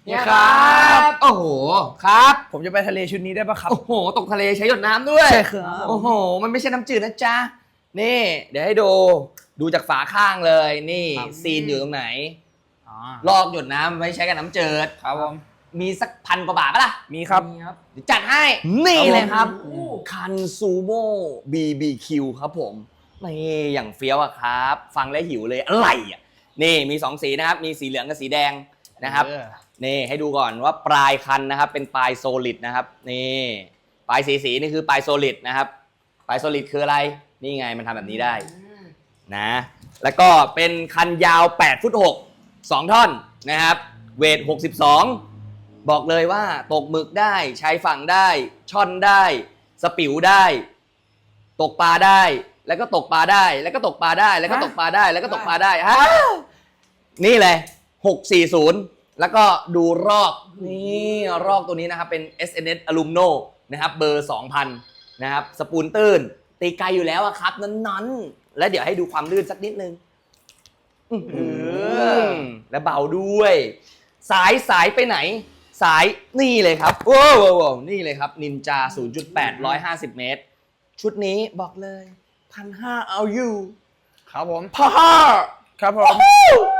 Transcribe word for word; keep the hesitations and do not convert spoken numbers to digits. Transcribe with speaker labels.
Speaker 1: นี่ครับโอ้โหครับ
Speaker 2: ผมจะไปทะเลชุดนี้ได้ปะครับ
Speaker 1: โอ้โหตกทะเลใช้หยดน้ำด้วย
Speaker 2: ใช่ครับ
Speaker 1: โอ้โหมันไม่ใช่น้ำจืดนะจ๊ะนี่เดี๋ยวให้ดูดูจากฝาข้างเลยนี่ซีนอยู่ตรงไหนลอกหยดน้ำไม่ใช้กับน้ำจืด
Speaker 2: ครับผม
Speaker 1: มีสักพันกว่าบาทปะล่ะ
Speaker 2: มีครับ
Speaker 1: เดี๋ยวจัดให้นี่เลยครับ
Speaker 2: โอ้โห
Speaker 1: คันซูโม่บีบีคิวครับผมนี่อย่างเฟี้ยวอะครับ ฟังแล้วหิวเลยอะไรอะนี่มีสองสีนะครับมีสีเหลืองกับสีแดงนะครับ
Speaker 2: เออ
Speaker 1: นี่ให้ดูก่อนว่าปลายคันนะครับเป็นปลายโซลิดนะครับนี่ปลายสีสีนี่คือปลายโซลิดนะครับปลายโซลิดคืออะไรนี่ไงมันทำแบบนี้ได้นะแล้วก็เป็นคันยาวแปดฟุตหก สองท่อนนะครับเวทหกสิบสองบอกเลยว่าตกหมึกได้ใช้ฝั่งได้ช่อนได้สปิวได้ ตกปลาได้แล้วก็ตกปลาได้แล้วก็ตกปลาได้แล้วก็ตกปลาได้แล้วก็ตกปลาได้ฮะนี่เลยหกสี่ศูนย์แล้วก็ดูรอกนี่รอกตัวนี้นะครับเป็น เอส เอ็น เอส Alumno นะครับเบอร์ สองพัน นะครับสปูนตื้นตีไกลอยู่แล้วอะครับนั้นๆแล้วเดี๋ยวให้ดูความลื่นสักนิดนึงอื้อหือและเบาด้วย สายสายไปไหน สายนี่เลยครับว้าวว้าวนี่เลยครับนินจา ศูนย์จุดแปด หนึ่งร้อยห้าสิบ เมตร ชุดนี้บอกเลยพันห้าเอาอยู่
Speaker 2: ครับผม
Speaker 1: พ่อ
Speaker 2: ครับผม
Speaker 1: โอ้โห